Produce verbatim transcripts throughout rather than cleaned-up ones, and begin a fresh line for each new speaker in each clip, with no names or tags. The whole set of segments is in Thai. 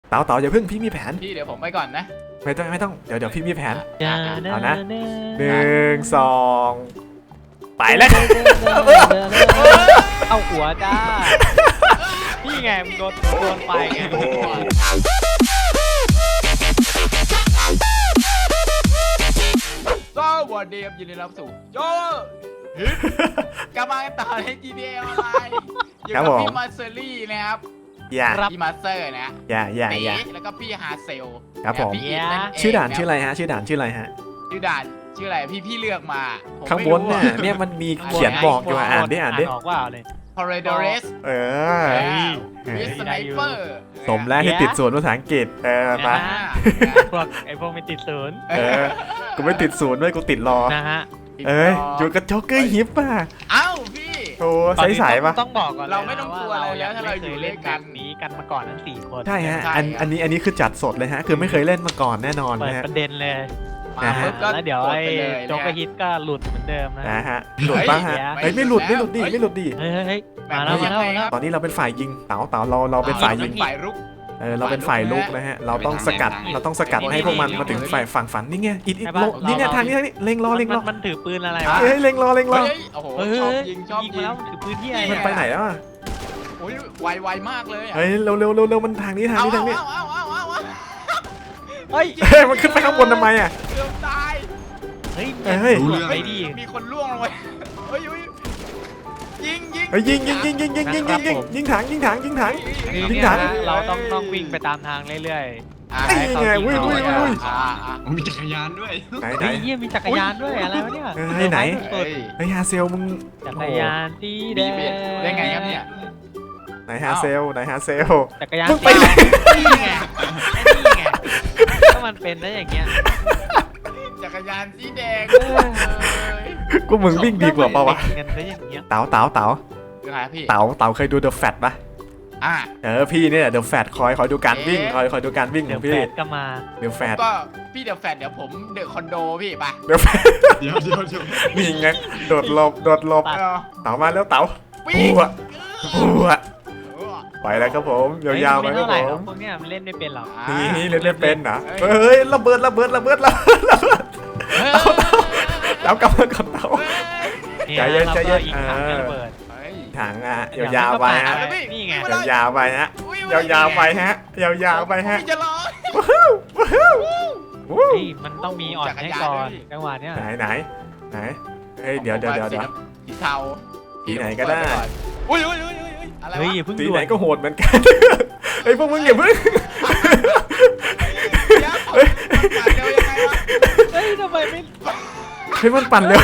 เต๋าเต๋าอย่าเพิ่งพี่มีแผน
พี่เดี๋ยวผมไปก่อนนะ
ไม่ต้องไม่ต้องเดี๋ยวเดี๋ยวพี่มีแผน
อย่า
เอานะ
เดิ
หนึ่งสองไปแล้ว
เอาหัวจ้าพี่ไงมึงโดนโดนไปไง
สวัสดีครับยินดีรับสู่โจกลับมากันต่อใน จี ที เอ ออนไลน์อยู่กับพี่มาเซอรี่นะครับ
อย่า
พี่มาสเตอร์นะ
อย่าอย่า
ตี
อย่า
แล้วก็พี่ฮาเซล
ครับผม
พี่อิทนั่นเง
ชื่อด่านชื่อ
ค
อะ
บ
ไรฮะชื่อด่านชื่ออะไรฮะ
ชื่อด่านชื่ออะไรพี่พี่เลือกมาผม
ข้าง
ไม่
บน
รู้
เนี่ยเนี่ยมันมีเขียนบอกอยู่อ่ะอ่านดิอ่านดิ
ออกว่าเลย
พอร์เดเรส
เออ
วิสไนเปอร์
สมแล้วที่ติดศูนย์ภาษาอังกฤษเออมา
พวกไอพวกไม่ติดศูนย์
เออกูไม่ติดศูนย์ด้วยกูติดรอ
นะฮะ
เอ้ยอยู่กับโจ๊กเกอร์ฮิปป่ะ
เอ้าพี่
โอ้ใสๆป่ะ
ต้องบอกก่อน
เราไม่ต้องกลัวอะไรแล้วถ้าเราอยู่ด้วยกัน
นี้กันมาก่อนทั้งสี่คน
ใช่ฮะ
ใช่
อัน
ครับ
อันนี้อันนี้คือจัดสดเลยฮะคือไม่เคยเล่นมาก่อนแน่นอน
เปิด
นะฮะ
ประเด็นเลย
มาปุ๊บก็
แล้วเดี๋ยว
ก
ไอ้
ปเลย
โจ๊กกระฮิตก็หลุดเหมือนเดิมนะ
นะฮะหลุดบ้างฮะ
เฮ้
เฮ้ย
ย
ไม่หลุดไม่หลุดดิ
เฮ้ย
ไม่หลุดดิ
เฮ้ยเฮ้ยมาแล้วมาแล้วมาแล้ว
ตอนนี้เราเป็นฝ่ายยิงเต๋าเต๋าเราเราเป็นฝ่ายยิง
ฝ่ายรุก
เออเราเป็นฝ่ายลุกนะฮะเราต้องสกัดเราต้องสกัดให้พวกมันมาถึงฝ่ายฝั่งฝันนี่ไงอิดอิดโลนี่เนี่ยทางนี้ทางนี้เล็งรอเล็งรอ
มันถือปืนอะไรวะ
เฮ้ยเล็งรอเล็งรอ
เฮ้ยโอ้โห
เฮ้ย
ชอบยิงชอบ
ยิง
ยิ
มาง แล้วถือปืนที่อะไร
มันไปไหนแล้วอ่ะ
โอ้ยไวไวมากเลยอะ
เฮ้ยเร็วเร็วเร็วเร็วมันทางนี้ทาง
เอา
นี้ทางนี้
เอาเอาเอาเอาเอา
เฮ้ย
เฮ้ยมันขึ้นไปข้างบนทำไมอ่ะ
เกือบตาย
เฮ้ย
เฮ้ย
รู้เรื่องไปดิ
มีคนล่วงลงไปเฮ้ยเฮ้ยยิงยิง
เฮ้ยยิงยิงยิงยิงยิงยิงยิงยิงยิงถังยิงถังยิงถัง
คือ
ยิง
เนี่ย
ถัง
นะเราต้องต้องวิ่งไปตามทางเรื่อย
อ่า
นี่ไงอุ้ยอุ้ยอุ้ย
อ่าอ่า
มีจักรยานด้วย
ไหน
ๆ
ไหน
เฮ้ยเฮียมีจักรยานด้วยอะไรวะเนี่ย
เฮ้ยไหน
เฮ้ย
เฮ้ยฮาเซลมึง
จักรยานสีแดง
ได้ไงครับเนี่ย
ไหนฮาเซลไหนฮาเซล
จักรยาน
มึงไปไหน
นี่ไงนี่ไงถ้ามันเป็นได้อย่างเงี้ย
จักรยานสีแดง
เออ
กูมึงวิ่งดีกว่าปะวะ
เงินได้อย่างเงี้ย
เต๋าเต๋าเต๋า
ยังไงพี่
เต๋าเต๋าเคยดูเดอะแฟตปะ
อ่า
เออพี่เนี่ยเดอะแฟตคอยคอยดูการวิ่งคอยคอยดูการวิ่งข
เดี๋
อย ง
ว
พี่
แฟดก็มา
เดอะแฟต
ก็พี่เดี๋ยวแฟดเดี๋ยวผมเดอะคอนโดพี่ไป
เดอะแฟต
เดี๋ยวเดี๋ยวเดี๋ยว
นี่ไงโดดหลบโดดหลบ
เออ
เต๋ามาแล้วเต๋า
ปี
ปัวปัว
เออ
ไปแล้วครับผมยาวๆไปครับ
เท่าไห
ผ
ร่หรอก
ม
พวกเนี้ยมันเล่นไม่เป็นหรอก
อ่า
นี่เล่นเล่นเป็นนะเฮ้ยระเบิดระเบิดระเบิดระเบิดระเบิด
เฮ้ย
เต๋ากลับมาก่อนเต๋า
เนี่ย
ใจเย็น
แล้ว
ใจเย็
ก็
น
อีกถัง
เออ
ระเบิด
เฮ้ย
ถังอ่ะยาวๆไปฮะ
นี่ไง
ยาวๆไปฮะยาวๆไปฮะยาวๆไปฮะ
พี่จะรอ
ว้าวว้าววู้
เฮ้ยมันต้องมีอ่อนให้ก่อนจังหวะเนี้ย
ไหนไหนไหนเฮ้ยเดี๋ยวเดี๋ยวเดี๋ยวเดี๋ยว
สีเทา
สีไหนก็ได้
อุ้ยอุ้ยอุ้ยอุ้ยอะไร
เฮ้ยว
ะ
อย่าเพิ่ง
สี
ด่ว
ไหน
น
ก็โหดเหมือนกันเฮ้ยพวกมึงอย่าเพิ่ง
เดี๋ยวผมปั่นเร็วยังไงวะ
เฮ้ยทำไมไม่
เฮ้ยมันปั่นเร็ว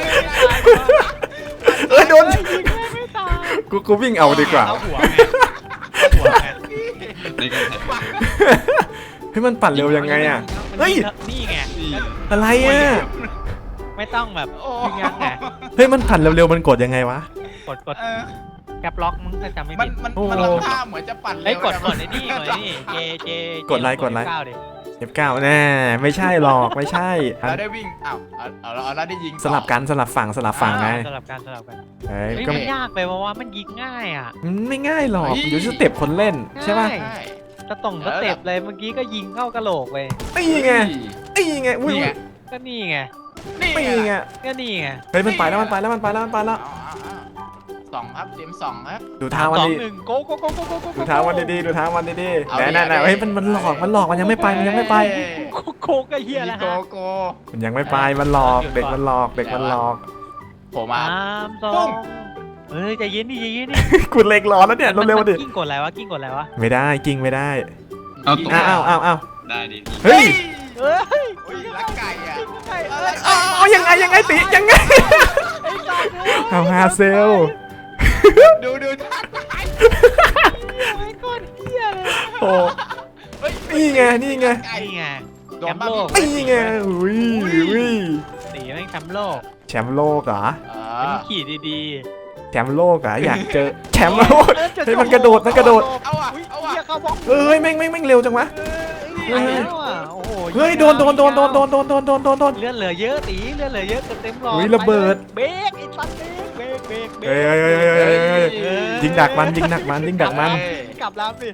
เฮ้ยไม่ตายวะ
เอ้ยโดน
ยิงไม่ไม่ตาย
กูกูวิ่งเอาดีกว่า
เอาหัวไงเอาหัวไง
ในการแข่งขัน
เฮ้ยมันปั่นเร็วยังไงอ่ะ เฮ้ย
นี่ไง
อะไรอ่ะ
ไม่ต้องแบบ
โอ้
ยิงยังไง
เฮ้ยมันปั่นเร็วๆมันกดยังไงวะ
กดกด
เออ
แคปล็อกมึงถ้าจำไม่
มัน
ผิด
มัน
โอ้
มันทำท่าเหมือนจะปั่นเร็ว
เฮ้ยกด
แต่
ก
มั
ดไอ้นี่กดไอ้นี่เจเจ
กดไลค์กดไลค์
เก้าดิ
เอฟเก้าแน่ไม่ใช่หรอกไม่ใช่อัน
เราได้วิ่งอ้าวเอาเอาเอาเราได้ยิงต่อ
สลับกันสลับฝั่งสลับฝั่งไง
สลับกันสลับกัน
เฮ้ย
เฮ้ย
ก็
มันยากไปเพราะว่ามันยิงง่ายอ่ะ
มันไม่ง่ายหรอกอยู่ที่สเต็ปคนเล่นใช่ป่ะ
ใช่
ใช่
สตรงสเต็ปเลยเมื่อกี้ก็ยิงเข้ากระโหลกไป
นี่ไงนี่ไงอุ้ย
นี่ไง
ก็นี่ไง
นี่
นี่ไง
ก็นี่ไง
เฮ้ยมันไปแล้วมันไปแล้วมันไปแล้วมันไปแล้ว
เอาเอาเอาสองครับเตรียมสองครับ
ดูเท้ามัน
สอง
ดี
หนึ่งโกโกโกโกโกโก
ดูเท้ามันดีๆดูเท้ามันดีๆ
เอา
แน่
ดิ
น่น่
เอาดิ
เฮ้ยมันมันหลอกมันหลอกมันยังไม่ไปมันยังไม่ไป
โกโกก็เฮียแล้ว
โก
ฮะ
โก
มันยังไม่ไปมันหลอกเด็กมันหลอกเด็กมันหลอก
ผม
สา
อ่ะ
มสอ
ปุ้
ง
ง
เฮ้ยใจเย็นดิใจเย็นดิ
กูเล็กรอแล้วเนี่ยเร็วๆดิ
กิ้งกดอะไรวะกิ้งกดอะไรวะ
ไม่ได้กิ้งไม่ได้
เอาตัว
อ้าวอ้าวอ้าว
ได้ดิ
เฮ้ย
เฮ้ย
อุ้ยรักไก่อ่ะ
ไก่
อะไร
อ้าวยังไงยังไงติยังไง
ไอ้ไก่
เอาฮาเซล
ดูดูท่าตาย
ไอ้ก้อนเฮียเลย
โอ้
เฮ้ย
นี่ไงนี่ไง
ไก่
นี่ไง
โดนบ้า
นี่ไงอุ้ยอุ้ย
สีแม่งแชมป์โลก
แชมป์โลกเหรอ
เอ
เป็น
อ
ขี่ดี
แชมป์โลกเหรออยากเจอแชมป์โลกเฮ้ยมันกระโดดมันกระโดด
เอาอ่ะ
อุ้ย
เอาอ่ะ
เฮียเข้าบล็อก
เอ้ยแม่งแม่งแม่งเร็วจังวะ
เฮ้ยแล้วอ่ะโอ้โห
เฮ้ยโดนโดนโดนโดนโดนโดนโดนโดนโดนโดน
เลือดเหลือเยอะตีเลือดเหลือเยอะเต็มหลอด
อุ้ยระเบิด
เบรกไอ้สัตว์เบรกเบรกเบรกเบร
เฮ้ย
ก
เฮ้ยเฮ้ยเฮ้ยเฮ้ยเฮ้ยยิงดักมันยิงดักมันยิงดักมัน
กลับลำดิ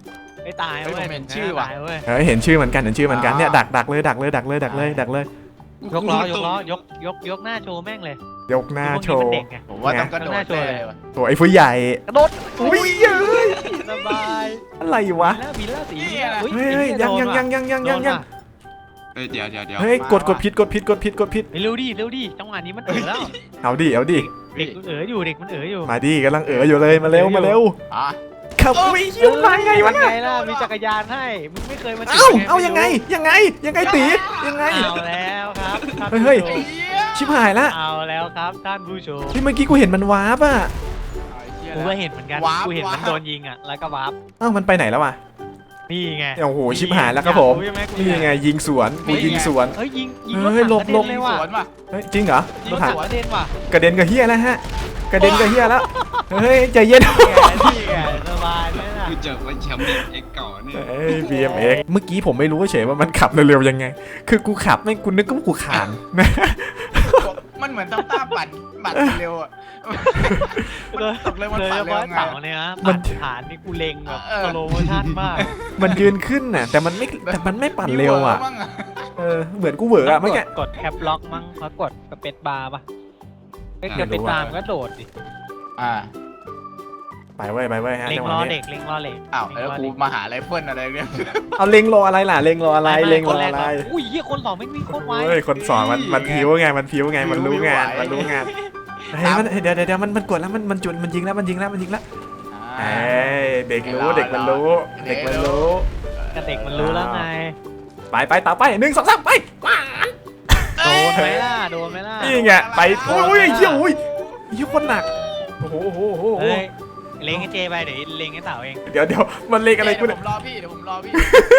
ไม่ตายเว้ย
เฮ้ยผมเห็นชื่อว่ะ
ตายเว้ย
เฮ้ยเห็นชื่อเหมือนกันเห็นชื่อเหมือนกันเนี่ยดักดักเลยดักเลยดักเลยดักเลยดักเลย
ยกล้อยกล้อยกยกยกหน้าโชว์แม่งเลย
ยกหน้าโช
พวก
ว์
นี้มันเด็กไง
ผมว่าต้องกระโดดเลยว่ะ
โอ้ไอ้ผู้ใหญ่
กระโดด
อุ้ยเอ้ย
สบาย
อะไรวะ
บินแล้วบินแล้วสี
เนี่ยนะ
อุ๊
เฮ้ยเฮ้ยยังยังยังยังยังยังยัง
เฮ้ยเดี๋ยวเดี๋ยวเดี๋ยว
เฮ้ยกดกดผิดกดผิดกดผิดกดผิด
เร็วดิเร็วดิจังหวะนี้มันเอ๋อแล้ว
เอาดิเอาดิ
เด็กมันเอ๋ออยู่เด็กมันเอ๋ออยู่
มาดิกำลังเอ๋ออยู่เลยมาเร็วมาเร็ว
อ่ะ
ขับวิ่งยิ้มมาไงวะ
ไง
เนี่ย
ล่ะมีจักรยานให้มึงไม่เคยมา
เอ้าเอายังไงยังไงยังไงตียังไง
เอาแล้วครับท่าน
เฮ้ย
ผู้ชม
ไอ้เหี้ย
ชิบหายละ
เอาแล้วครับท่านผู้ชม
ที่เมื่อกี้กูเห็นมันวาร์ปอ่ะ
ไอ้เหี้ย
กูก็เห็นเหมือนกัน
วาร์ป
กูเห็นมัน
วาร์ป
โดนยิงอ่ะแล้วก็วาร์ป
เอ้ามันไปไหนแล้ววะ
นี่ไง
โอ้โหชิบหายแล้วครับผม
อยากใช่ไหกู
นี่
อยาก
ไงยิงสวนกูยิงสวน
เฮ้ยยิงยิง
เฮ้ย
รถถัง
หลบ
กระเด็นเลย
ส
ว่ะ
วนว่ะ
เฮ้ยจริงเหรอ
ยิง
ร
ร
ถ
ถ
ถั
ถั
ง
งกระเด็นว่ะ
กระเด็นกับเฮียแล้วฮะกระเด็นกับเฮียแล้วเฮ้ยใจเย็น
นี่ไงสบายไหมล่ะ
กูเจอว่าแชมป์เนี่ยเอ็กเก่าเนี่ย
เอ้ย บี เอ็ม เอ็กซ์ เมื่อกี้ผมไม่รู้เฉยว่ามันขับเร็วๆยังไง คือกูขับไม่กูนึกว่ากูขานนะ
มันเหมือนตั้งต้าปั่นปั่นเร็วอ่ะมันตกเลยมัน
โดย
ปั่
เฉ
นเร็ว
พาะ
ไง
เต่าเนี่ยนะ
มั
ปั่
น
นฐานนี่กูเล็งแบบ
เออ
สโลโมชั่นมาก
มันยืนขึ้นน่ะแต่มันไม่แต่มันไม่ปั่นเร็วอ่ะ
มีวมั่ง
เออเหมือนกูเหวออะเมื่อกี้
กดแคปล็อกมั้งเขากดสเปซบาร์ป่ะเอ้ยสเปซบาร์มันก็โดดดิ
อ่า
ไปเว้ยไปเว้ยฮะ
เล็ง
จังห
ล้
วะ
อ
นี้
เด็กเล็งล้อเล็ก
อ้าวแล้วกูมาหาไรเฟิลอะไรเนี่ย
เอาเล็งรออะไรล่ะเล็งรออะไร
ม่ม่
เล็งร
ค
อน
แก
อะไร
ก่นอุ้ยเฮียคนสองไม่มีโคตรไว
เฮ้ยคนสอนมันมันผิวไงมันผิวไงมันรู้งานมันรู้งานเฮ้ยมันเดี๋ยวเดี๋ยวเดี๋ยวมันมันกดแล้วมันมันจุดมันยิงแล้วมันยิงแล้วมันยิงแล้วเอ้ยเด็กรู้เด็กมันรู้เด็กมันรู้
กระเด็กมันรู้แล้วไง
ไปไปต่อไปหนึ่งสองสามไป
โดนไหมล่ะโดนไหมล่ะ
นี่ไงไปโอ้ยเหี้ยโอ้ยเหี้ยคนหนักโอ้โหโอ้โหโอ้โห
เฮ้ยเล็งให้เจไปเดี๋ยวเล็งให้เต่าเอง
เดี๋ยวเดี๋ยวมันเล็กอะไรกู
เดี๋
เนี่ย
วยผมรอพี่เดี๋ยวผมรอพี่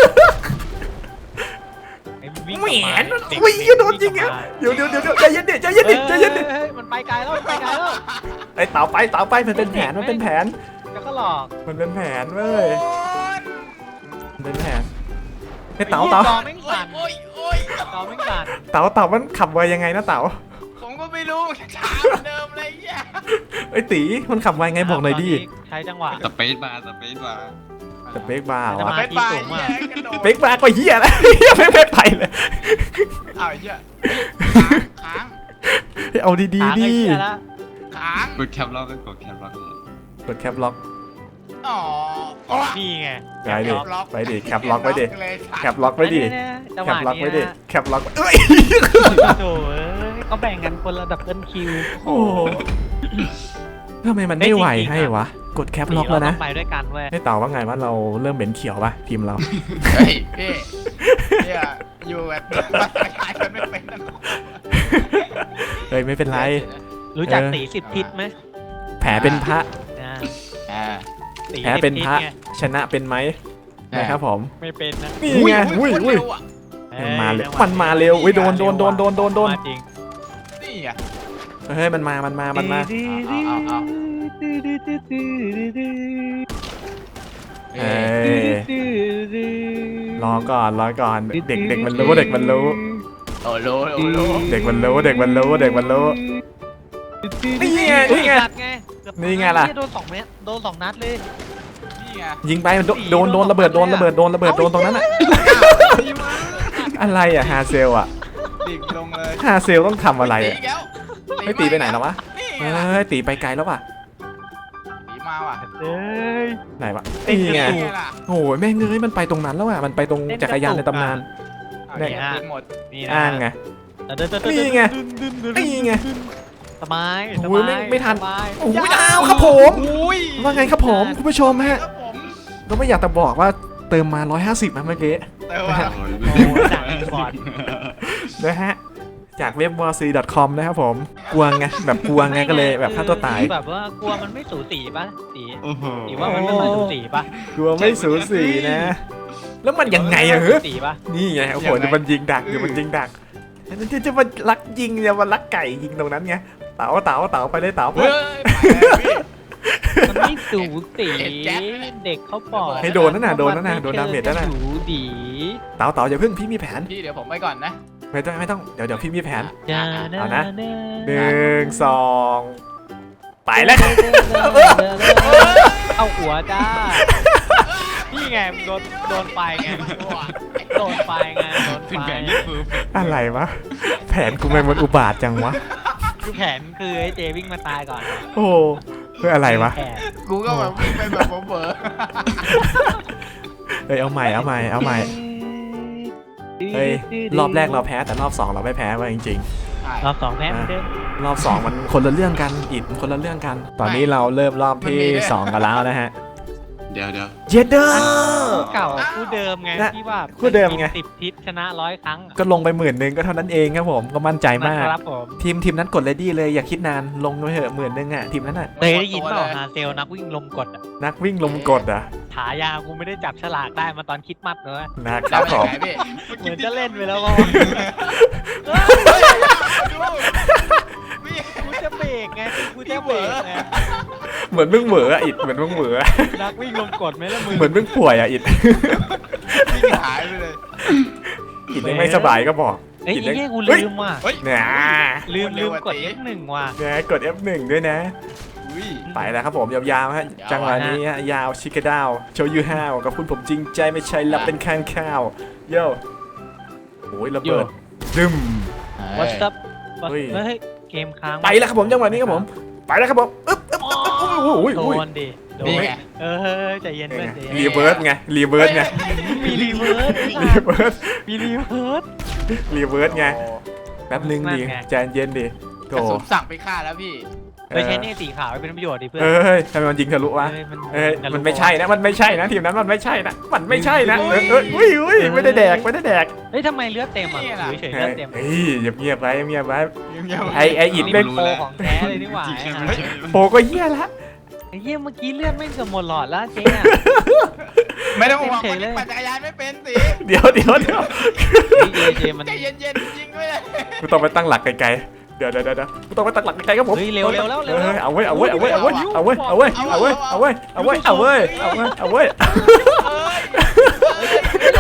ไอ้วิ่ง
แหว
กลับ
น
มาเด็ก
อุ้ย
เด็ก
โดนจริงอ่ะเดี๋ยวเดี๋ยวเดี๋ยวเดี๋ยวใจเย็นดิใจเย็นดิใจเย็นดิ
เฮ้ยมันไปไกลแล้วมันไปไกลแล้ว
ไอ้เต่าไปเต่าไปมันเป็นแผนมันเป็นแผน
แล้วก็หลอก
มันเป็นแผนเว้ย
โอ๊ย
มันเป็นแผนไอ้เต่าเต่า
จอแม่งสั่น
โอ้ยโอ้ย
จอแม่งสั่น
เต่าเต่ามันขับไวยังไงนะเต่า
ผมก็ไม่รู้ช้าเหมือนเดิมเลยแย่
ไอ้ตีมันขับไวไงบอกหน่อยดิ
ตใช้จังหวะ
สเปซบาร์สเปซบาร์
แต่เบรกบาร์
จะ
วะ
มา
ไปไป
สูงอะ
แย่กระโดด
เบรกบาร์ก็เหี้ยแล้วเหี้ยไม่ไม่ไปเลย
อ้าวไอ้เหี้ยค้าง
เอาดีๆ
หา
ดิ
ไอ้เหี้ยละ
ค้าง
กดแคปล็อกก็กดแคปล็อกเลย
กดแคปล็อก
อ๋ออ๋อ
นี่ไง
ไปดิ
ล็อก
ไปดิแคปล็อกไว้ดิ
เลย
แคปล็อกไว้ดิ
จังห
แคว
ะ
ปล็อก
นี้
ไว้ดิ
นะ
แคปล็อกเอ้ย
โถ่เอ้ยเขาแบ่งกันคนละดับเบิลคิว
โอ้โหทำไมมันไม่ไหวให้วะกดแคปล็อกแล้วนะ
เราต้งไปด้วยกันเว้ย
ให้เต่าว่าไงว่าเราเริ่มเหม็นเขียวป่ะทีมเรา
เฮ้ยพี่เนี่ยอยู่แบบมาสกายกันไม่เป็นนะ
เฮ้ยไม่เป็นไร
รู้จัก
เออ
ตีสิบทิศไหม
แผลเป็นพระ
อ่า
อ่า
ตี
แพ้
สิบ
เป็น
ทิศ
พระ
ไง
ชนะเป็นไหมนะครับผม
ไม่เป็นนะ
นี่ไงอุ้ยอุ้ย
เร็วอะ
มันมาเร็วมันมาเร็วอุ้ยโดนโดนโดนโดนโดนโดน
มาจริง
นี่อ่ะ
เฮ้ยมันมามันมามันมา
เอาเอา
เอ้ยรอก่อนรอก่อนเด็กเด็กมันรู้เด็กมันรู้
โอ้โหโอ้โห
เด็กมันรู้เด็กมันรู้เด็กมันรู้นี่ไงนี่ไง
จัดไงเกือบ
นี่ไงล่ะ
โดนสองเมตรโดนสองนัดเลย
นี่ไง
ยิงไปมันโดโดนโดนระเบิดโดนระเบิดโดนระเบิดโดนตรงนั้นอะอะไรอะฮาเซลอะ
ดิ่งลงเลย
ฮาเซลต้องทำอะไร
ตี
อะ
อีกแล้ว
ไม่ตีไปไหนแล้ววะ
นี่
เฮ
ไงล่ะ
้ยตีไปไกลแล้วว่ะ
ตีมาว่ะ
เอ้ย
ไหนวะนี่ไง
นี่ล่ะ
โอ้ยแม่งเอ้ยมันไปตรงนั้นแล้วอะมันไปตรงจักรยานในตำนาน
เอา
เนี่ย
เนี่ยตีหมด
นี่นะ
อ้างไง นี่ไงนี่ไง
สบายส
โอ้ย
บาย
ไม่ไม่ทัน
สบาย
โอ้ยดาวครับผม
อุ้ย
ว่าไงครับผมคุณผู้ชมฮะ
ครับผม
ก็ไม่อยากจะบอกว่าเติมมาหนึ่งร้อยห้าสิบนะเมื่อกี้
แต่ว่า
โอ้ดักก่อน
นะฮะจากเว็บ วอร์ซี ดอท คอม นะครับผมกลัวไงแบบกลัวไงก็เลยแบบฆ่าตัวตาย
แบบว่ากลัวมันไม่สูสีป่ะสี
โอ้โห
สีว่ามันไม่ค่อยสูสีป่ะ
กลัวไม่สูสีนะ แล้วมันยังไงอะเหรอ
สูสีป่ะ
นี่ไงโอ้โหเดี๋ยวมันยิงดักเดี๋ยวมันยิงดักจะจะจะมาลักยิงจะมาลักไก่ยิงตรงนั้นไงเต๋าเต๋าเต๋าไปเลยเต๋า
เฮ้ยไปแล้วพี่
มันไม่สูสี
เห็นแจ๊คไหม
เด็กเขาบอก
ให้โดนนั่นน่ะโดนนั่นน่ะโดนดาเมจนั่นน่ะ
สูดี
เต๋าเต๋าอย่าเพิ่งพี่มีแผน
พี่เดี๋ยวผมไปก่อนนะ
ไม่ต้องไม่ต้องเดี๋ยวเดี๋ยวพี่มีแผน
อย่า
เอานะ หนึ่งสองไปแล้ว
เอาหัวจ้านี่นี่ไงโดนโดนไฟไงโดนไฟไงโดน
เป็น
ไฟ
แผนที่เพอร์เฟกต์
อะไรวะแผนกูไม่มันอุบาทจังวะ
คือแผนคือไอ้เจวิ่งมาตายก่อน
โอ้เพื่ออะไรวะ
แผน
กูก็แบบวิ่งไปแบบเบอร์
เฮ้ยเอาใหม่เอาใหม่เอาใหม่เฮ้ยรอบแรกเราแพ้แต่รอบสองเราไม่แพ้ว่ะจริง
รอบสองแพ้เหมือนเดิม
ๆรอบสองมันคนละเรื่องกันอิดมันคนละเรื่องกัน ตอนนี้เราเริ่มรอบที่สองกันแล้วนะฮะ
เดี๋ยวเดี๋ยว
เจเดอร์
คู่เก่าคู่เดิมไง
นะ
ที่ว่า
คู่เดิมไง
สิบทิศชนะร้อยครั้ง
ก็ลงไปหมื่นหนึ่งก็เท่านั้นเองครับผมก็มั่นใจมาก
นะครับผม
ทีมทีมนั้นกดเลดี้เลยอย่าคิดนานลงไปเถอะหมื่นหนึ่งอ่ะทีมนั้นอ่ะ
เคยได้ยินเปล่าฮาเซลนักวิ่งลมกดอะ
นักวิ่งลมกดอ่ะ
ฉายากูไม่ได้จับฉลากได้มาตอนคิดมัดเลย
นะค
จั
รั
บบ ไป
ผม
ไหนพี่
เหมือนจะเล่นไปแล้วว่า
พี่
กูจะเบรกไงกูจะเบรกไง
เหมือนมึงเหวออ่ะอิดเหมือนมึงเหวออะ
นักวิ่งลมกดไหมล่ะมึง
เหมือนมึงป่วยอ่ะอิด
วิ่งหายไปเลย
อิดยังไม่สบายก็บอก
เอ้ย
อิด
ไอ้
ยัง
เหี้ยกู
เฮ้ย
ลืมว่ะ
เฮ้ย
เนี่ย
ลืม
เร็
ลื
ว
ม
อะ
กด
ตี
เลขหนึ่งว่ะ
เนี่ยกด เอฟ หนึ่ง ด้วยนะ
อุ้ย
ไปแล้วครับผมยาวๆฮะ
ยาว
จังหวะนี้ฮะยาวชิคาดาวโชยูฮาวกับคุณผมจริงใจไม่ใช่รับเป็นข้างข้าวโย่โอ้ยระเบิดดึม
วัสดุ
เฮ้ย
เฮ้ยเกมค้าง
ไปแล้วครับผมจังหวะนี้ครับผมไปแล้วครับผมอึ๊บอึ๊บอึ๊บอึ๊บโอ้โห
โด
โอ้ย
นดิโด
นี่
น
ไง
เออใจเย็นเพื่อนใจเย็น
รีเวิร์สไงรีเวิร์สไง
มีรีเวิร์ส
รีเวิร์ส
มีรีเวิร์ส
รีเวิร์สไง
โอ้
แป๊บนึงดิ
นั่นไง
ใจเย็นดิโถ
กระสุนสั่งไปฆ่าแล้วพี่
ไปใช้เนี่ยสีขาวเป็นประโยชน์ดิเพื่อน
เอ้ยทำไมมันยิงทะลุวะ
เอ้ยมัน
เอ้ย
จะรู้
มันไม่ใช่นะมันไม่ใช่นะทีมนั้นมันไม่ใช่นะมันไม่ใช่นะเอ้ยเอ้ยอุ้ยอุ้ยไม่ได้แดกไม่ได้แดก
เฮ้ยทำไมเลือดเต็มอ่ะอยู่เฉยๆเลือดเต็ม
เฮ้ยเงียบๆไว้เงียบๆไว้
เงียบๆ
ไอไออิด
นี่
เล่
เป็น นโปรของแท้เลยนี่หว่า
จริง
ไอ้
ๆ
ห่า
ไม่ใช่
โปก็เฮี้ยละ
ไอ้เหี้ยเมื่อกี้เลือดไม่เกือบหมดหลอดแล้วเจ๊อะ
ไม่ต้องห่วง
เฉ
ค
ย
น
ๆเลย
ที่ปั่นจักรยานไม่เป็นสิ
เดี๋ยวเดี๋ยวเดี๋ยว
เจเจมัน
ใจเย็นๆจริงด้วย
กูต้องไปตั้งหลักไกลๆเดี๋ยวเดี๋ยวเดี๋ยวกูต้องไปตั้งหลักไกลๆครับผม
เฮ้ยเร็วเร็วแล้วเร็ว
เอ
แล้ว
อเอาเว้ยเอาเว้ยเอาเว้ยเอาเว้ยเอาเว้ยเอาเว้ยเอาเว้ยเอาเว้ยเอาเว้ยเอาเว้ยเอาเว้ยเอาเว้ยเอาเว้ย
เอ้ย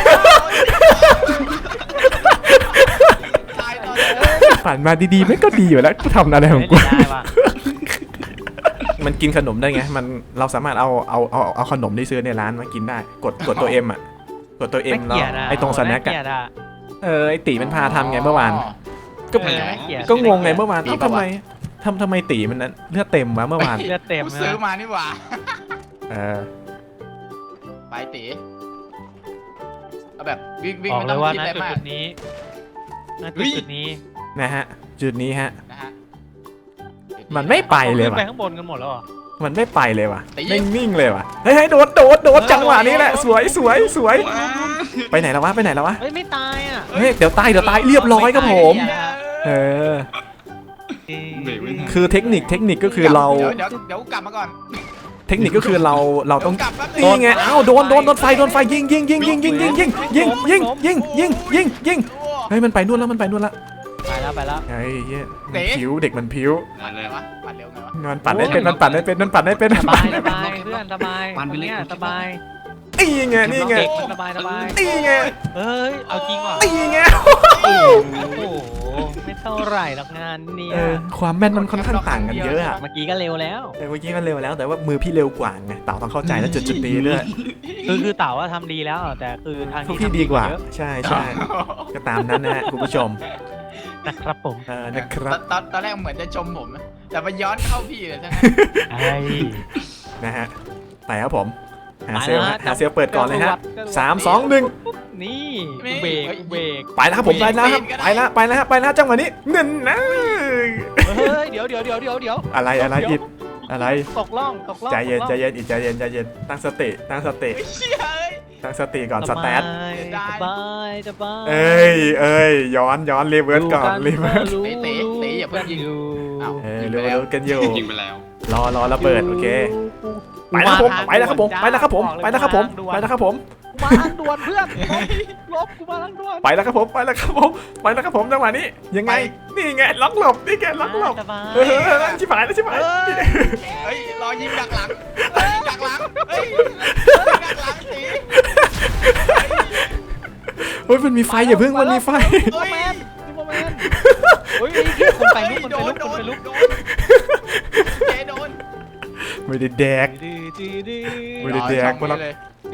ตายตอนนี้
ผ่านมาดีๆไม่ก็ดีอยู่แล้วกูทำอะไรของกู
ไม่ได้ว่ะ
มันกินขนมได้ไงมันเราสามารถเอาเอาเอาเอาขนมที่ซื้อในร้านมากินได้กดกดตัวเอ็มอ่ะกดตัวเอ็มแล้วไอ้ตรงสแน็ค
อะ
อ่ะเออไอ้ตีมันพาทำไงเมื่อวานก็
เออน่าเกลียด
ก็งงไงเมื่อวานเอ้าทำไมทำทำไมตีมันนั้นเลือดเต็มวะเมื่อวาน
เลือดเต็ม
กู
นะ
ซื้อมานี่หว่า
เออ
ไปตีเอาแบบวิ่งวิ่ง
บอก
ไม่
เล
ต้อง
ยว่า
คิด
ณ
อะไร
จุด
มาก
จุดนี้ณจุดจุดนี้
นะฮะจุดนี้ฮะ
นะฮะ
มันไม่ไปเลย
ขึ้น
ว่ะ
ไปข้างบนกันหมดแล้วเหรอ
มันไม่ไปเลยว่ะนิ่งๆเลยว่ะเฮ้ยโดดโดดโดดจังหวะนี้แหละสวยสวยสวยไปไหนแล้ววะไปไหนแล้ววะ
เฮ้ยไม่ตายอ่ะ
เฮ้ยเดี๋ยวตายเดี๋ยวตายเรียบร้อยครับผม เออ
เบรกไม่ทัน
คือเทคนิคเทคนิคก็คือเรา
เดี๋ยวเดี๋ยวเดี๋ยวกลับมาก่อน
เทคนิคก็คือเราเราต้อง
ดี๋ยวกลับแป๊บ
นี่ไงเอ้าโดนโดนโดนไฟโดนไฟยิงยิงยิงยิงยิงยิงยิงยิงยิงยิงยิงยิงยิงเฮ้ยมันไปนู่นแล้วมันไปนู่นละ
ไปแล้วไปแล้ว
เฮ้ยเหี้ยมันผิวเด็กมันผิว
นั่นเลย
วะปั่นเร็วไงวะ
มันปั่นได้เป็นมันปั่นได้เป็นมันปั่นได้เป็น
สบายสบายเพื่อนสบาย
ปั่นไปเลย
เนี่ยสบาย
นี่ไงนี่ไง
เด็กมันสบายสบาย
นี่ไง
เฮ้ยเอาจริงว่ะ
นี่ไง
โอ้โหไม่เท่าไหร่หรอกงานเนี่ย
เออความแม่นมันค่อนข้างต่างกันเยอะอะ
เมื่อกี้ก็เร็วแล้ว
แต่เมื่อกี้มันเร็วแล้วแต่ว่ามือพี่เร็วกว่าไงเต่าต้องเข้าใจแล้วจุดจุดนี้ด้วย
คือคือเต่าว่าทำดีแล้วแต่คือทาง
พวก
นี้
พี่
ทำ
ดีกว่า
เยอะ
ใช่ใช่ก็ตามนั้นนะฮะคุณผู้ชม
นะครับผม
เออนะครับ
ตอนตอนแรกเหมือนจะชมผมนะแต่มันย้อนเข้าพี่เลยทั้งนั้น
ไอ้
นะฮะไปครับผมหา
ไป
เซลล
นะ
ฮะหาเซลลเปิดก่อนเลยฮะ
จรวดจรวด
สามสองหนึ่ง
นี่กูเบรกกูเบรก
ไปแล้วครับผมไปแล้วครับไปแล้วไปแล้วฮะไปแล้วจังหวะนี้หนึ่งนะ
เฮ้ยเดี๋ยวเดี๋ยวเดี๋ยวเดี๋ยวเดี๋ยว
อะไรอะไรอิดอะไร
ตกล่องตกล่อง
ใจเย็น
ตก
ใจ
ล่อง
เย็นอิดใจเย็นใจเย็นตั้งสติตั้งสติ
ไอ้เชี่ยเอ้ย
ตั้งสติก่อนสแตท
สบายสบาย
เอ้ยเอ้ยย้อนย้อนรีเวิร์สก่อนรีเวิร์ส
รู้
เตะเตะอย่าเพิ่งยิง
อยู่
อ้าว
เออรู้รู้กันอยู่
ยิงไปแล้ว
รอรอระเบิดโอเคไปแล้วครับผมไปแล้วครับผมไปแล้วครับผมไปแล้วครับผมไปแล้วครับผม
กูมาทางด่วนเพื่อนลบกูมาทางด่วน
ไปแล้วครับผมไปแล้วครับผมไปแล้วครับผมจังหวะนี้ยังไงนี่ไงล็อกหลบนี่ไงล็อกหลบ
สบาย
เออชิบหายแล้วชิบหาย
เฮ้ยรอยิงดักหลังเฮ้ยดักหลังเฮ้ยดักหลังสี
เฮ้ยมันมีไฟอย่าเพิ่งมันมีไฟ
ซูเปอร์แมนซูเปอร์แมนเฮ้ยไอ้เหี้ยคนไปลุกคนไปลุกคนไปลุก
โดนเจโดน
ไม่ได้แดก
ดื้อดื้อดื้อ
ไม่ได้แดก
รอช่องนี้เลย
ด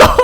ตก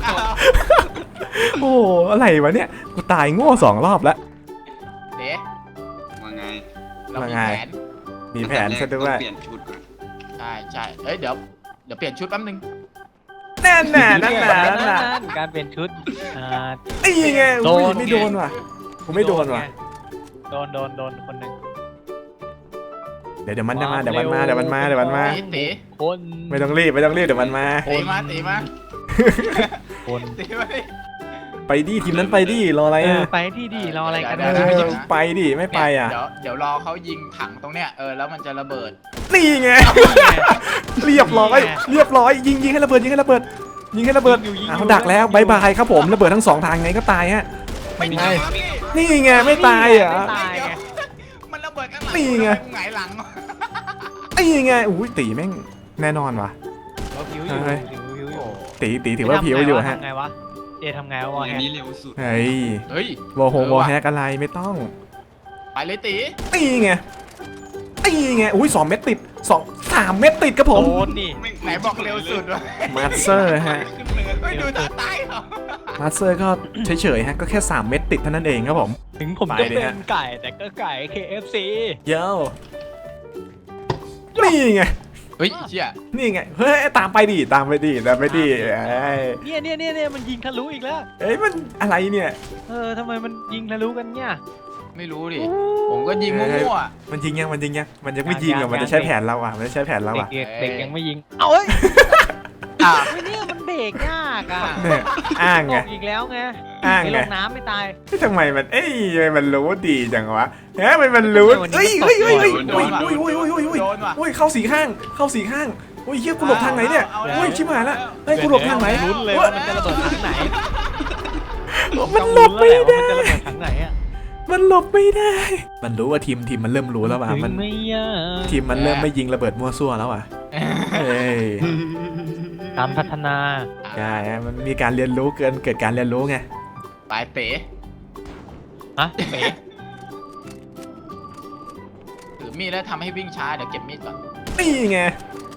โอ้อะไรวะเนี่ยกูตายโง่สองรอบแล้ว
เดี๋ยว
ว่าไง
เรา
ว่า
มี
ไง
แผน
มีแผนซะด้วย
เปลี่ยนชุดก่อน
ใช่ใช่เอ้ยเดี๋ยวเดี๋ยวเปลี่ยนชุดแป๊บนึง
แน่นแน่นั่นแหละนั่นแหละ
การเปลี่ยนชุดอ่า
นี่ไง
โด
อุ้ย
น
ไม่โดนว่ะกูไม่โดนว่ะ
โดนโดนโดนคนหนึ่ง
เดี๋ยวเดี๋ยวมันจะมาเดี๋ยวมันมาเดี๋ยวมันมาเดี๋ยวมันมา
ตีตี
คน
ไม่ต้องรีบไม่ต้องรีบเดี๋ยวมันมา
ตีมาตีมา
คน
ตีมาดิ
ไปดิทีมนั้นไปดิรออะไร
เออ
อ่ะ
ไปที่ดีรออะไรกัน
เอ
นะ
อไปดิไม่ไปอ่ะ
เดี๋ยวเดี๋ยวรอเขายิงถังตรงเนี้ยเออแล้วมันจะระเบิด
นี่ไงเรียบร้อยเรียบร้อยยิงยิงให้ระเบิดยิงให้ระเบิดยิงให้ระเบิดอ้าวดักแล้วบายบายครับผมระเบิดทั้งสองทางไงก็ตายฮะ
ไม่
ไง
ตายครับพี่
นี่ไงไม่ตายเหรอ
ไม่ตาย
เดี๋ยว
ไง
มันระเบิดข้างหลัง
นี่ไง
กูหงายหลัง
นี่ไงอุ้ยตีแม่งแน่นอนว่ะ
เราผิวอยู่
เฮ้ย
ผิวผิวอยู่
ตีตีถือว่าผิวอยู่ฮะ
ทำไงวะเอทำไงวะ
อันนี้เร็วสุด
เฮ้ย
เฮ้ย
โวโฮโวแฮกอะไรไม่ต้อง
ไปเลยตี
นี่ไงนี่ไงอุ้ยสองเม็ดติดสองสามเม็ดติดครับผม
โดนดิ
ไหนบอกเร็วสุดวะ
มาสเตอร์ฮะ
ไม่ดูตาตายเหรอ
มาสเตอร์ก็เฉยๆฮะก็แค่สามเม็ดติดเท่านั้นเองครับผม
ถึงผม
ไป
จะ
ดิ
เป็
ฮะ
นไก่แต่ก็ไก่ เค เอฟ ซี
เย้นี่ไง
เฮ้ยเชี่ย
นี่ไงเฮ้ยตามไปดิตามไปดิตามไปดิเอ้ย
เนี่ยเนี่ยเนี่ยเนี่ยมันยิงทะลุอีกแล้ว
เอ้ยมันอะไรเนี่ย
เออทำไมมันยิงทะลุกันเนี่ย
ไม่รู้ดิผมก็ยิงมั่ว
มันยิงยังมันยิงยังมันยังไม่ยิง
ยั
อ่ะ
ง
มัน
ยั
จะ
ง
ใช้แผนเราอ่ะมันจะใช้แผนเรา
เด็ก
อ่ะ
เด็กเด็กยังไม่ยิงเอาเอ้ย
ๆอ่ะ
ไม่เนี่ยมันเบรกยากอ่ะ
เนี่ยอ้าง
ต
ไง
กอีกแล้วไง
อ้าง
ไม่
ไง
ลงน้ำไม่ตาย
เฮ้ยทำไมมันเอ้ยทำไมมันรู้ดีจังวะเฮ้ยมันมันรู้
ทำไมวันนี้
เฮ้ย
มัน
เฮ้ย
ตก
เฮ้ยเฮ้ย
โด
เฮ้ย
นว่ะ
เฮ้ยเฮ้ยเฮ้ยเฮ้ย
โดนว่ะ
เฮ้ยเข้าสีข้างเข้าสีข้างเฮ้ยเฮียกูหลบทางไหนเนี่ย
เอาแล้ว
เฮ้ยชิบหายละเฮ้ยกูหลบทางไหน
ลุ้นเลยว่ามันจะระเบิดทางไหน
มันหลบไม่
ต้อง
ได้
ลุ้นแล้วแหละว่ามันจะระเบิดทางไหนอ่ะ
มันหลบไม่ได้ มันรู้ว่าทีมทีมมันเริ่มรู้แล้วว่ะมัน
ถึงไม่ยาก
ทีมมันเริ่มไม่ยิงระเบิดมั่วซั่วแล้วอ่ะเฮ้ย
การพัฒนา
ใช่ฮะมันมีการเรียนรู้เกินเกิดการเรียนรู้ไง
ไปเต๋
ฮะเป๋
ถือมีดแล้วทำให้วิ่งช้าเดี๋ยวเก็บมีดก่อน
นี่ไง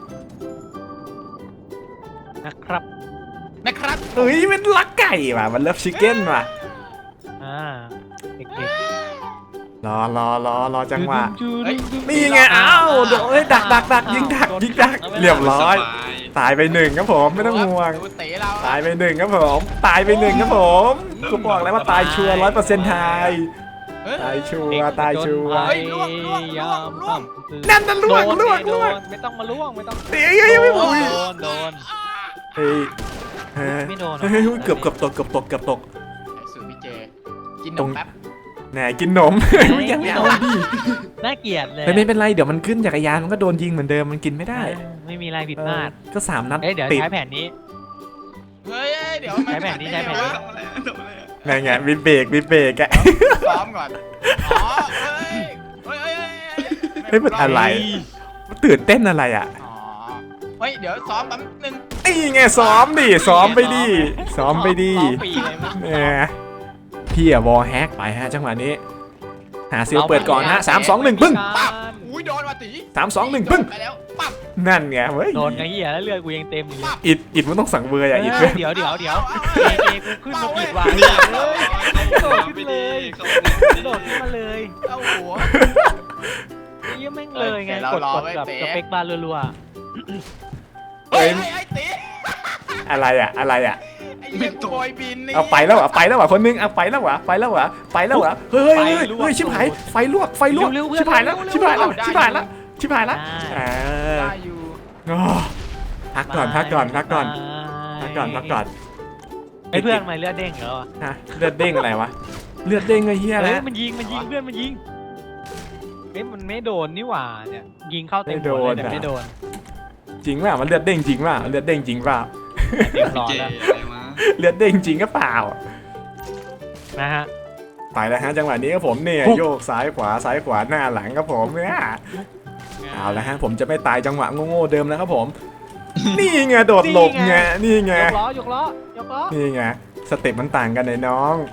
นะครับ
นะครับ
เฮ้ยมันลักไก่ว่ะมันเลิฟชิคเก้นว่ะ
อ่าเด็ก
รอรอรอรอ
ๆ
จังหวะ
จูๆ
นี่ไงอ้าวโดนเอ้ยดักดักดักยิงดักยิงดักเรียบร้อย
สบาย
ตายไปหนึ่งครับผมไม่ต้องห่วง
ดูเต๋เรา
ตายไปหนึ่งครับผมตายไปหนึ่งครับผมกูบอกแล้วว่าตายชัวร์ร้อยเปอร์เซ็นต์ไทย
เฮ้ย
ตายชัว
เด็ก
ร์ตายชัวร์
เฮ้ยล่วงล่วงล่วงล่วง
นั่นนั่นล่วง
โดน
ล่วง
โด
ล่วง
นไม่ต้องมาล่วงไม่ต้อง
เฮ้ยเฮ้ยไม่
โด
อุ้
น
ย
โดนโดน
เฮ้ยเฮ้ย
ไม่โดนหรอ
เฮ้ยเกือบเกือบตกเกือบตกเกือบตก
สูตรพี่เจกินน
ตรง
มแป๊บ
แหนกินนมไม่ยังไม่เอาดิ
น่าเกลียดเลย
ไม่เป็นไรเดี๋ยวมันขึ้นจักรยานมันก็โดนยิงเหมือนเดิมมันกินไม่ได้
ไม่มีอะไรผิดพลาด
ก็สามนัด
เอ้ยเดี๋ยว
ติด
ใช้แผนนี้
เฮ้ยเดี๋ยว
ใช้แผนนี้ใช้แผนนี้
ทำอะไรทำอะไร
ไงไงวิเบรกวิเบรกอะ
ซ้อมก่อนอ๋อเฮ้ยเฮ้ยเฮ้ย
เฮ้ยมันอะไร มันตื่นเต้นอะไรอ่ะ
อ๋อเฮ้ยเดี๋ยวซ้อมแป๊บนึง
นี่ไงซ้อมดิซ้อมไปดิซ้อมไปดิ
ซ้อมปีเลยมั้ง
เนี่ยพี่อะวอลแฮกไปฮะจังหวะนี้ หาซิลเปิดก่อนฮะสามสองหนึ่งปึ้ง
ปั๊บอุ้ยโดนมาตี
สามสองหนึ่งปึ้ง
ไปแล้วปั๊บ
นั่นไงเว้ย
โดนไงเหี้ยแล้วเลือดกูยังเต็มอยู่เลย
อิดอิดมันต้องสั่งเบอร์อะอิด
เอ
เว้
อย เดี๋ยวเดี๋ยวเดี๋ยวเจเจกูขึ้นมาปิดวาง
นี่
เลย
โดดขึ้นเลย
โดดขึ้นมาเลย
เอาหัว
เยี่ยแม่งเลยไง
เออ
กด
เรารอก
ด
ไว้
แบบ
เตะ
สเปคบาร์รัว
เฮ้ยไอ้ตี
อะไรอะอะไรอะ
ไอ้เหี้ยกูบอยบินนี่
เอาไปแล้วเหรอไปแล้วเหรอคนนึงเอาไปแล้วเหรอไปแล้วเหรอไปแล้วเหรอเฮ้ยเฮ้ยเฮ้ยเฮ้ยชิบหายไฟลวกไฟลวกชิบหายแล้วชิบหายแล้วชิบหายแล้วชิบหายแล้วอ่า
ได้อยู่
โอ้พัก
ๆ
ก่อนพักก่อนพักก่อนพักก่อนพักก่อน
ไอ้เพื่อนทำไมเลือดเด้งเหรอวะ
ฮะเลือดเด้งอะไรวะเลือดเด้งไอ้เหี้ย
เฮ้
แล้
ยว มันยิงมันยิงเพื่อนมันยิงเอ้ยมันไม่โดนนี่หว่าเนี่ยยิงเข้าเต็มหัวเลยแต่ไม่โดน
จริงป่ะมันเลือดเด้งจริงป่ะเลือดเด้งจริงป่ะ
เรียบร้อย
เจ
แล้ว
อะไรวะ
เลือดเด้งจริงก็เปล่า
นะฮะ
ไปแล้วฮะจังหวะนี้ครับผมเนี่ยโยกซ้ายขวาซ้ายขวาหน้าหลังครับผมเนี่ยเอาละฮะผมจะไม่ตายจังหวะโง่ๆเดิมแล้วครับผม นี่ไงโดดหลบไงนี่ไง
ยกล้อยกล้อยกล้อ
นี่ไงสเต็ปมันต่างกันไอ้น้อง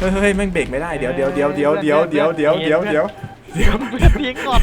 เฮ้ยเฮ้ยแม่งเบรกไม่ได้เดี๋ยวเดี๋ยวเดี๋ยวเดี๋ยวเดี๋ยวเดี๋ยวเดี๋ยวเดี๋ยวเดี๋ยวเดี๋ยว
เพื่อนเพียงก่อน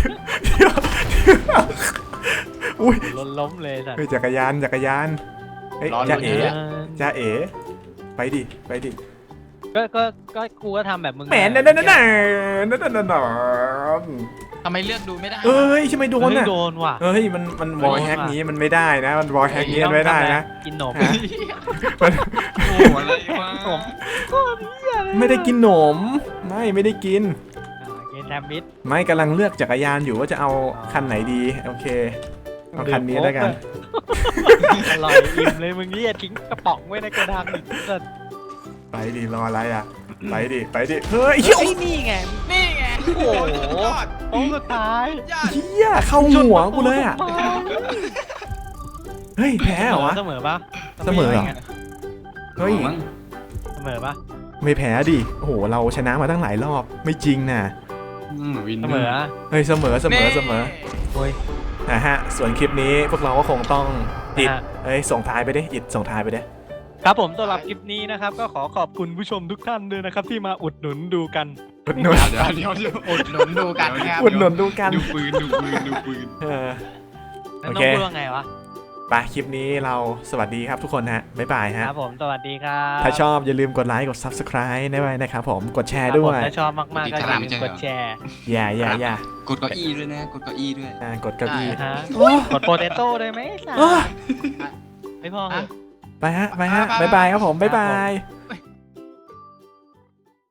อุ้ย
ล้มล้มเลยสัตว์
เฮ้ยจักรยานจักรยานเฮ้ย
รอ
จ้า
ลุ้น
เอ๋
เนี่ย
จ้าเอ๋ไปดิไปดิ
ก็ก็ก็กูก็ทำแบบมึง
แหมนั่นนั่นนั่นนั่นนั่นนั่นนั่น
ทำไมเลือกดูไม่ได้
เอ้ยใช่ไหมโดน
เฮ้ย
อ่ะ
โดนว่ะ
เฮ้ยมันมันวอลแฮกนี้มันไม่ได้นะมันวอลแฮกนี้มันไม่ได้นะ
กินหนม
ฮะมัน
โอ้โหอะไรวะ
ผม
ไม่ได้กินหนมไม่ไม่ได้กิน
กินแซมมิด
ไม่กำลังเลือกจักรยานอยู่ว่าจะเอาคันไหนดีโอเคเอาคันนี้แล้วกัน
อร่อยอิ่มเลยมึงนี่อย่าทิ้งกระป๋องไว้ในกระดังอีกสัตว์
ไปดิรออะไรอ่ะไปดิไปดิเฮ้ย
ไอ้ยนี่ไง
นี่ไง
โอ้โห
ยอด
โค้งสุดท้าย
ยอด
เฮียเข้าหัวกูเลยอ่ะเฮ้ยแพ้เหรอวะ
เสมอปะ
เสมอเหรอ เฮ้ย
มั้ง
เสมอปะ
ไม่แพ้ดิโอ้โหเราชนะมาตั้งหลายรอบไม่จริงนะ
อืมวิน
เสมอ
เฮ้ยเสมอเสมอเสมอ
โอ้ย
นะฮะส่วนคลิปนี้พวกเราก็คงต้องอิด
นะฮะ
เอ้ยส่งท้ายไปดิอิดส่งท้ายไปดิ
ครับผมสำหรับคลิปนี้นะครับก็ขอขอบคุณผู้ชมทุกท่านด้วยนะครับที่มาอุดหนุนดูกัน
อุดหนุน
เดี๋ยวเดี๋ยวเดี๋ยว
อุดหนุนดูกันครับ
อุดหนุนดูกัน
ดูปืนดูปืนดูปืน
เออ
แล้ว
โอ
น้อ
เค
งพูดว่าไงวะ
ไปคลิปนี้เราสวัสดีครับทุกคนฮะบ๊ายบาย
ค
ฮะ
รับผมสวัสดีครับ
ถ้าชอบอย่าลืมกดไลค์กด ซับสไครบ์ได้ไว้นะครับผมกดแช
ค
ร์
รับ
ด้
ผ
ว
ม
ย
ถ้าชอบมากๆก็อย่าลืมกดแชร์
อย่าอย่าอย่าก
ดเก้าอี้ด้วยนะกดเก้าอี้ด้วย
อ่ากดเก้าอี้
นะฮะกดโปเตโต้ได้ไหมสัตว์
โอ้
ไม่พอเหรอ
ไปฮะไปฮะบ๊ายบายครับผมบ๊ายบาย